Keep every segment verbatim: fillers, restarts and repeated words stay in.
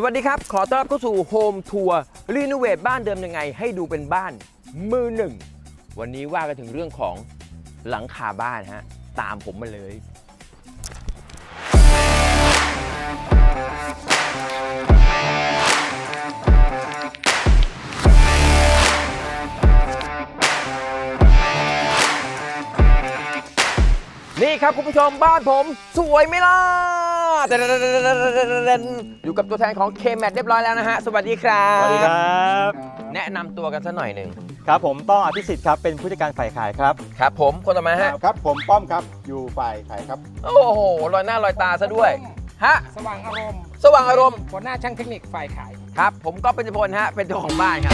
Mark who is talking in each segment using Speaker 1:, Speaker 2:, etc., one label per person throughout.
Speaker 1: วัสดีครับขอต้อนรับเข้าสู่โฮมทัวร์รีโนเวทบ้านเดิมยังไงให้ดูเป็นบ้านมือหนึ่งวันนี้ว่ากันถึงเรื่องของหลังคาบ้านฮะตามผมมาเลยนี่ครับคุณผู้ชมบ้านผมสวยไหมล่ะอยู่กับตัวแทนของ เค แมท เรียบร้อยแล้วนะฮะสวัสดีครับ
Speaker 2: สวัสดีครับ
Speaker 1: แนะนำตัวกันสักหน่อยหนึ่ง
Speaker 2: ครับผมต้องอภิสิทธิ์ครับเป็นผู้จัดการฝ่ายขายครับ
Speaker 1: ครับผมคนต่อมาฮะ
Speaker 3: ครับผมป้อมครับอยู่ฝ่ายขายครับ
Speaker 1: โอ้โหลอยหน้าลอยตาซะด้วยฮะ
Speaker 4: สว่างอารมณ์
Speaker 1: สว่างอารมณ์
Speaker 4: หัวหน้าช่างเทคนิคฝ่ายขาย
Speaker 1: ครับผมก็เป็นพลฮะเป็นเจ้าของบ้านครับ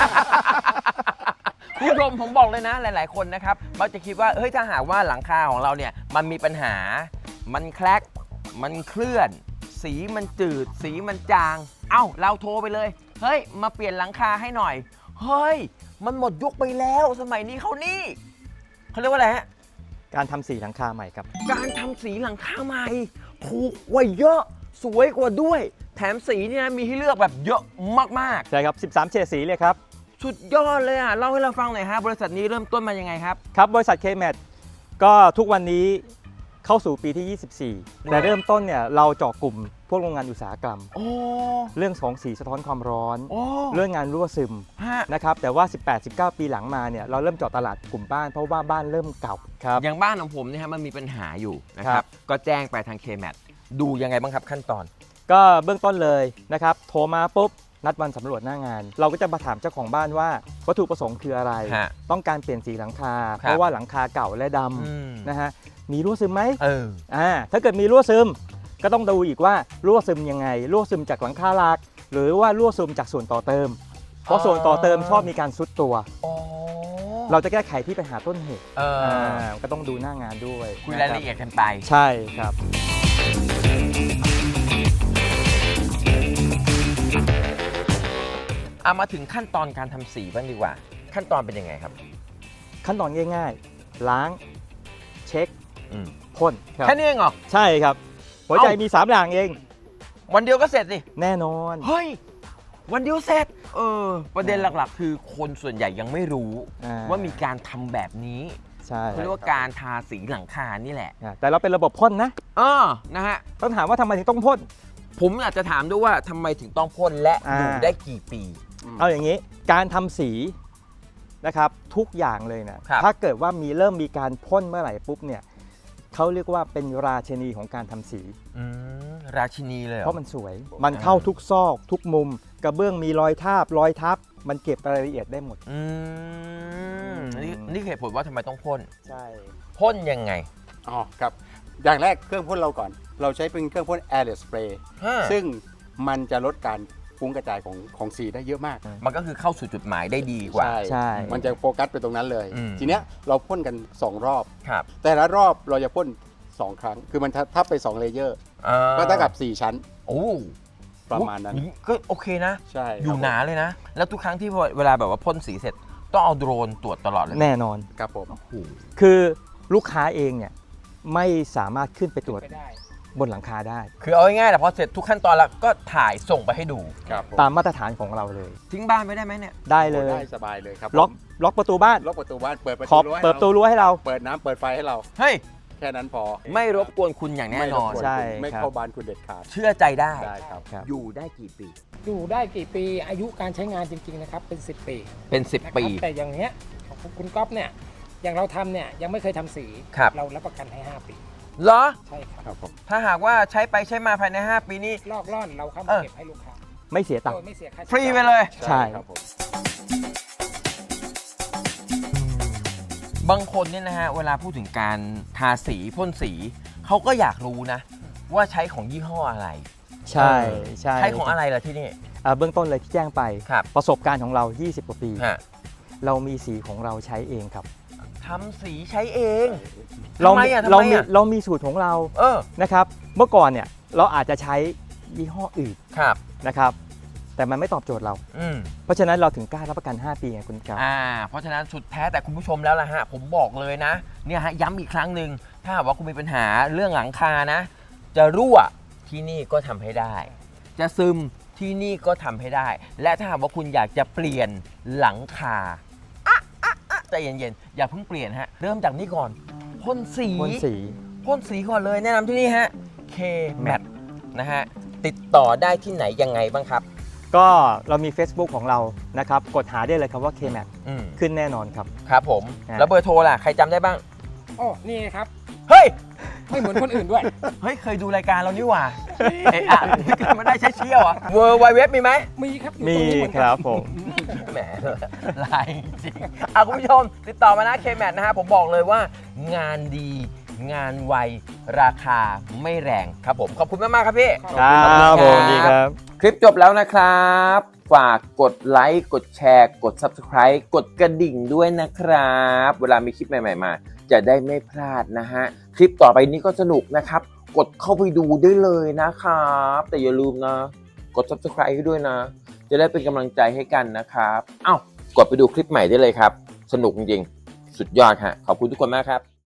Speaker 1: คุณผู้ชมผมบอกเลยนะหลาย ๆ คนนะครับมักจะคิดว่าเฮ้ยถ้าหากว่าหลังคาของเราเนี่ยมันมีปัญหามันแคลกมันเคลื่อนสีมันจืดสีมันจางเอ้าเราโทรไปเลยเฮ้ยมาเปลี่ยนหลังคาให้หน่อยเฮ้ยมันหมดยุคไปแล้วสมัยนี้เขานี่เขาเรียกว่าอะไรฮะ
Speaker 2: การทำสีหลังคาใหม่ครับ
Speaker 1: การทำสีหลังคาใหม่ถูกกว่าเยอะสวยกว่าด้วยแถมสีเนี่ยมีให้เลือกแบบเยอะมาก
Speaker 2: ใช่ครับสิบสามเฉดสีเลยครับ
Speaker 1: ๆสุดยอดเลยอ่ะเล่าให้เราฟังหน่อยฮะบริษัทนี้เริ่มต้นมายังไงครับ
Speaker 2: ครับบริษัท เค แมท ก็ทุกวันนี้เข้าสู่ปีที่ ยี่สิบสี่ แต่เริ่มต้นเนี่ยเราเจาะกลุ่มพวกโรงงานอุตสาหกรรม
Speaker 1: โอ้
Speaker 2: เรื่องของสีสะท้อนความร้อน
Speaker 1: โอ้
Speaker 2: เรื่องงานรั่วซึม
Speaker 1: ฮะ
Speaker 2: นะครับแต่ว่า สิบแปด สิบเก้า ปีหลังมาเนี่ยเราเริ่มเจาะตลาดกลุ่มบ้านเพราะว่าบ้านเริ่มเก่าครับ
Speaker 1: อย่างบ้านของผมเนี่ยฮะมันมีปัญหาอยู่นะค
Speaker 2: ครั
Speaker 1: รับ
Speaker 2: บ
Speaker 1: ก็แจ้งไปทาง เค แมท ดูยังไงบ้างครับขั้นตอน
Speaker 2: ก็เบื้องต้นเลยนะครับโทรมาปุ๊บนัดวันสำรวจหน้างาน เราก็จะมาถามเจ้าของบ้านว่าวัตถุประสงค์คืออะไร
Speaker 1: ฮะ
Speaker 2: ต้องการเปลี่ยนสีหลังคา
Speaker 1: ครับ
Speaker 2: เพราะว่าหลังคาเก่าและด
Speaker 1: อืม
Speaker 2: ำนะฮะมีรั่วซึมไหม
Speaker 1: เออ
Speaker 2: อ่าถ้าเกิดมีรั่วซึมก็ต้องดูอีกว่ารั่วซึมยังไงรั่วซึมจากหลังคาหลัก หรือว่ารั่วซึมจากส่วนต่อเติม เพราะส่วนต่อเติมชอบมีการซุดตัว
Speaker 1: อ๋อ
Speaker 2: เราจะแก้ไขที่ปัญหาต้นเหตุ
Speaker 1: เออ
Speaker 2: อ่าก็ต้องดูหน้างานด้วย
Speaker 1: คุย
Speaker 2: นะ
Speaker 1: ราย
Speaker 2: รับ
Speaker 1: ละเอียดกันไป
Speaker 2: ใช่ครับ
Speaker 1: เอามาถึงขั้นตอนการทำสีบ้างดีกว่า ขั้นตอนเป็นยังไงครับ
Speaker 2: ขั้นตอนง่ายๆ ล้างเช็ค
Speaker 1: อืม
Speaker 2: พ่นครับ
Speaker 1: แค่นี้เองเหรอ
Speaker 2: ใช่ครับ หัวใจ
Speaker 1: เอ้ามี
Speaker 2: มีสามอย่างเอง
Speaker 1: วันเดียวก็เสร็จสิ
Speaker 2: แน่นอน
Speaker 1: เฮ้ย วันเดียวเสร็จ เออ ประเด็นหลักๆ คือคนส่วนใหญ่ยังไม่รู้
Speaker 2: อ่า
Speaker 1: ว่ามีการทำแบบนี้
Speaker 2: ใช่
Speaker 1: เขาเรียกว่าการทาสีหลังคานี่แหละ
Speaker 2: อ่าแต่เราเป็นระบบพ่นนะ
Speaker 1: เออนะฮะ
Speaker 2: ต้องถามว่าทำไมถึงต้องพ่น
Speaker 1: ผมอยากจะถามด้วยว่าทำไมถึงต้องพ่นและ
Speaker 2: อ่า
Speaker 1: อยู่ได้กี่ปี
Speaker 2: เอาอย่างนี้การทำสีนะครับทุกอย่างเลยนะครับ ถ้าเกิดว่ามีเริ่มมีการพ่นเมื่อไหร่ปุ๊บเนี่ยเขาเรียกว่าเป็นราชินีของการทำสี
Speaker 1: อืมราชินีเลยเหรอ
Speaker 2: เพราะมันสวย มันเข้าทุกซอก ทุกมุม กระเบื้องมีรอยทาบรอยทับ มันเก็บรายละเอียดได้หมด
Speaker 1: อืมนี่นี่เหตุผลว่าทำไมต้องพ่น
Speaker 2: ใช่
Speaker 1: พ่นยังไง
Speaker 3: อ๋อครับอย่างแรกเครื่องพ่นเราก่อน เราใช้เป็นเครื่องพ่น airless spray ซึ่งมันจะลดการฟุ้งกระจายของของสีได้เยอะมาก
Speaker 1: มันก็คือเข้าสู่จุดหมายได้ดีกว่า
Speaker 2: ใช่
Speaker 3: มันจะโฟกัสไปตรงนั้นเลย
Speaker 1: อืม
Speaker 3: ทีเนี้ยเราพ่นกันสองรอบ
Speaker 1: ครับ
Speaker 3: แต่ละรอบเราจะพ่นสองครั้ง คือมันทับไปสองเลเยอร์
Speaker 1: อ่
Speaker 3: ก็เท่ากับสี่ชั้น
Speaker 1: โอ้
Speaker 3: ประมาณนั้น
Speaker 1: ก็โอเคนะ
Speaker 3: ใช่
Speaker 1: อยู่
Speaker 3: ครับ
Speaker 1: หนาเลยนะ แล้วทุกครั้งที่เวลาแบบว่าพ่นสีเสร็จ ต้องเอาโดรนตรวจตลอดเลยไหม
Speaker 2: แน่นอน
Speaker 3: ครับผม
Speaker 1: โอ้โห
Speaker 2: คือลูกค้าเองเนี่ยไม่สามารถขึ้นไปตรวจ
Speaker 4: ไปได้
Speaker 2: บนหลังคาได้
Speaker 1: คือเอาง่ายๆแต่พอเสร็จทุกขั้นตอนแล้วก็ถ่ายส่งไปให้ดู
Speaker 3: ครับผม
Speaker 2: ตามมาตรฐานของเราเลย
Speaker 1: ทิ้งบ้านไม่ได้ไหมเนี่ย
Speaker 2: ได้เลย
Speaker 3: ได้สบายเลยครับ
Speaker 2: ล็อกล็อกประตูบ้าน
Speaker 3: ล็อกประตูบ้านเปิดประ
Speaker 2: ข
Speaker 3: ตู
Speaker 2: อบ
Speaker 3: รั้วให้
Speaker 2: เปิดประตู
Speaker 3: เรา
Speaker 2: รั้วให้เรา
Speaker 3: เปิดน้ำเปิดไฟให้เรา
Speaker 1: เฮ้ย
Speaker 3: แค่นั้นพอ
Speaker 1: ไม่รบกวนคุณอย่างแน่นอน
Speaker 3: ไม่รบกวน
Speaker 2: ใช่
Speaker 3: คุณไม่
Speaker 2: ครับ
Speaker 3: เข้าบ้านคุณเด็ดขาด
Speaker 1: เชื่อใจได้
Speaker 3: ได้ครับ
Speaker 2: ครับ
Speaker 1: อยู่ได้กี่ปี
Speaker 4: อยู่ได้กี่ปีอายุการใช้งานจริงๆนะครับเป็น สิบ ปี
Speaker 1: เป็นสิบ
Speaker 4: นะครับ
Speaker 1: ปี
Speaker 4: แต่อย่างเนี้ยของคุณก๊อฟเนี่ยอย่างเราทำเนี่ยยังไม่เคยทำสี
Speaker 1: ครับ
Speaker 4: เรารับประกันให้ ห้า ปี
Speaker 1: เหรอ
Speaker 4: ใช่ครับ
Speaker 3: ครับผม
Speaker 1: ถ้าหากว่าใช้ไปใช้มาภายใน ห้า ปีนี้
Speaker 4: ลอกล่อนเราเข้า
Speaker 1: เอ
Speaker 4: มา
Speaker 1: อ
Speaker 4: เก็บให้ลูกค้า
Speaker 2: ไม่เสียตัง
Speaker 4: โด
Speaker 2: ค์
Speaker 4: ยไม่เสียค่าใช้
Speaker 1: ฟรี
Speaker 4: จ่าย
Speaker 1: ไปเลย
Speaker 2: ใช่
Speaker 3: ครับผม
Speaker 1: บางคนเนี่ยนะฮะเวลาพูดถึงการทาสีพ่นสีเขาก็อยากรู้นะ ว่าใช้ของยี่ห้ออะไร
Speaker 2: ใช่ใช่
Speaker 1: ใช้ของอะไรล่ะที่นี่
Speaker 2: อ่าเบื้องต้นเลยที่แจ้งไป
Speaker 1: ครับ
Speaker 2: ประสบการณ์ของเรา ยี่สิบ กว่าปี
Speaker 1: ฮะ
Speaker 2: เรามีสีของเราใช้เองครับ
Speaker 1: ทำสีใช้เอง
Speaker 2: เรา
Speaker 1: ทำไมอ่ะทำ
Speaker 2: เรา
Speaker 1: ไม
Speaker 2: มี
Speaker 1: อ่ะ
Speaker 2: เรามีสูตรของเรา
Speaker 1: เออ
Speaker 2: นะครับ เมื่อก่อนเนี่ยเราอาจจะใช้ยี่ห้ออื่น
Speaker 1: ครับ
Speaker 2: นะครับ แต่มันไม่ตอบโจทย์เรา
Speaker 1: อืม
Speaker 2: เพราะฉะนั้นเราถึงกล้ารับประกัน ห้า ปีไงคุณครับ
Speaker 1: อ่า เพราะฉะนั้นสุดแท้แต่คุณผู้ชมแล้วล่ะฮะ ผมบอกเลยนะ เนี่ยฮะย้ำอีกครั้งหนึ่งถ้าหากว่าคุณมีปัญหาเรื่องหลังคานะ จะรั่วที่นี่ก็ทำให้ได้ จะซึมที่นี่ก็ทำให้ได้ และถ้าหากว่าคุณอยากจะเปลี่ยนหลังคาอ่ะอ่ะอ่ะใจเย็นๆอย่าเพิ่งเปลี่ยนฮะเริ่มจากนี่ก่อนพ่นสี
Speaker 2: พ่นสี
Speaker 1: พ่นสีก่อนเลยแนะนำที่นี่ฮะ K Mat นะฮะติดต่อได้ที่ไหนยังไงบ้างครับ
Speaker 2: ก็เรามี Facebook ของเรานะครับกดหาได้เลยครับว่า เค แม็ก
Speaker 1: อืม
Speaker 2: ขึ้นแน่นอนครับ
Speaker 1: ครับผม
Speaker 2: ฮะ
Speaker 1: แล้วเบอร์โทรล่ะใครจำได้บ้าง
Speaker 4: โอ้นี่ไงครับ
Speaker 1: เฮ้ย
Speaker 4: ไม่เหมือนคนอื่นด้วย
Speaker 1: เฮ้ย เคยดูรายการเรานี่หว่า เอะอะมันได้ใช้เชี่ยวอ่ะเวอร์ไวเว็บมีไหม
Speaker 4: มีครับอยู่
Speaker 2: มี
Speaker 4: ตรงนี้เหมือน
Speaker 2: ค
Speaker 4: กัน
Speaker 2: รับผม
Speaker 1: แหมลายจริงอ่ะคุณผู้ชม ติดต่อมานะ K Mat นะฮะผมบอกเลยว่างานดีงานไว ราคาไม่แรงครับผม ขอบคุณมาก ๆ ครับพี่
Speaker 2: ครับผมดีครับ
Speaker 1: คลิปจบแล้วนะครับ ฝากกดไลค์ กดแชร์ กด Subscribe กดกระดิ่งด้วยนะครับ เวลามีคลิปใหม่ ๆ มา จะได้ไม่พลาดนะฮะ คลิปต่อไปนี้ก็สนุกนะครับ กดเข้าไปดูได้เลยนะครับ แต่อย่าลืมนะ กด Subscribe ให้ด้วยนะ จะได้เป็นกำลังใจให้กันนะครับอ้าวกดไปดูคลิปใหม่ได้เลยครับ สนุกจริงๆ สุดยอดฮะขอบคุณทุกคนมากครับ